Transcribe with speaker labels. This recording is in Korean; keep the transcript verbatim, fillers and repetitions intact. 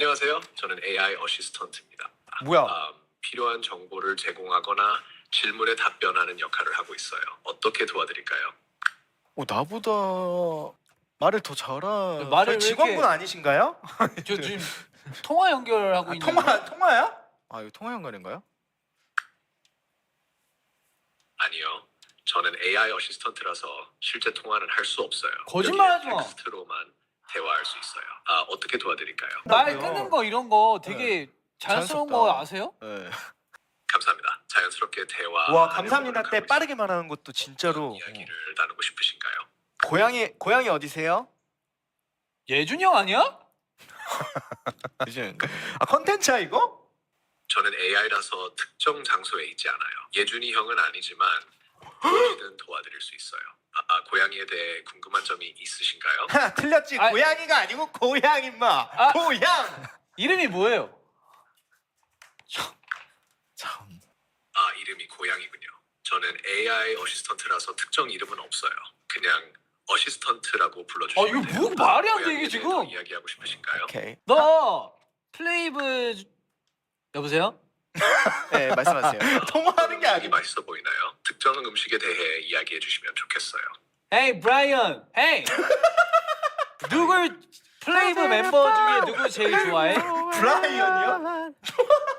Speaker 1: 안녕하세요. 저는 에이아이 어시스턴트입니다.
Speaker 2: 뭐야?
Speaker 1: 음, 필요한 정보를 제공하거나 질문에 답변하는 역할을 하고 있어요. 어떻게 도와드릴까요?
Speaker 3: 어, 나보다 말을 더 잘하.
Speaker 2: 저희
Speaker 4: 말을 왜
Speaker 2: 직원분
Speaker 4: 이렇게
Speaker 2: 아니신가요?
Speaker 4: 저 지금 통화 연결하고
Speaker 2: 아,
Speaker 4: 있는
Speaker 2: 통화 통화야?
Speaker 3: 아, 이거 통화 연결인가요?
Speaker 1: 아니요. 저는 에이아이 어시스턴트라서 실제 통화는 할 수 없어요.
Speaker 4: 거짓말하지
Speaker 1: 여기에
Speaker 4: 마.
Speaker 1: 텍스트로만 대화할 수 있어요. 아, 어떻게 도와드릴까요?
Speaker 4: 말
Speaker 2: 나도요.
Speaker 4: 끊는 거 이런 거 되게 자연스러운
Speaker 3: 자연스럽다.
Speaker 4: 거 아세요?
Speaker 3: 네.
Speaker 1: 감사합니다. 자연스럽게 대화.
Speaker 2: 와 감사합니다 때 빠르게 말하는 것도 진짜로.
Speaker 1: 이야기를 나누고 싶으신가요?
Speaker 2: 고향이 고향이 어디세요?
Speaker 4: 예준이 형 아니야?
Speaker 3: 이제
Speaker 2: 아 컨텐츠야 이거?
Speaker 1: 저는 에이아이라서 특정 장소에 있지 않아요. 예준이 형은 아니지만 무엇이든 도와드릴 수 있어요. 아, 아, 고양이에 대해 궁금한 점이 있으신가요?
Speaker 2: 하 틀렸지.
Speaker 4: 아,
Speaker 2: 고양이가 아니고 고향 임마.
Speaker 4: 아.
Speaker 2: 고향.
Speaker 4: 이름이 뭐예요?
Speaker 3: 참.
Speaker 1: 아, 이름이 고양이군요. 저는 에이아이 어시스턴트라서 특정 이름은 없어요. 그냥 어시스턴트라고 불러주시면
Speaker 4: 아, 이거
Speaker 1: 돼요.
Speaker 4: 뭐 말이 안 돼,
Speaker 1: 고양이에
Speaker 4: 이게
Speaker 1: 대해
Speaker 4: 지금.
Speaker 1: 더 이야기하고 싶으신가요?
Speaker 2: 오케이.
Speaker 4: 너 플레이브 여보세요?
Speaker 3: 네, 말씀하세요.
Speaker 2: 통화하는 게
Speaker 1: 음식이
Speaker 2: 아니고.
Speaker 1: 맛있어 보이나요? 특정 음식에 대해 이야기해 주시면 좋겠어요.
Speaker 4: 헤이 브라이언 헤이 누굴 플레이브 멤버 중에 누구 제일 좋아해?
Speaker 2: 브라이언이요?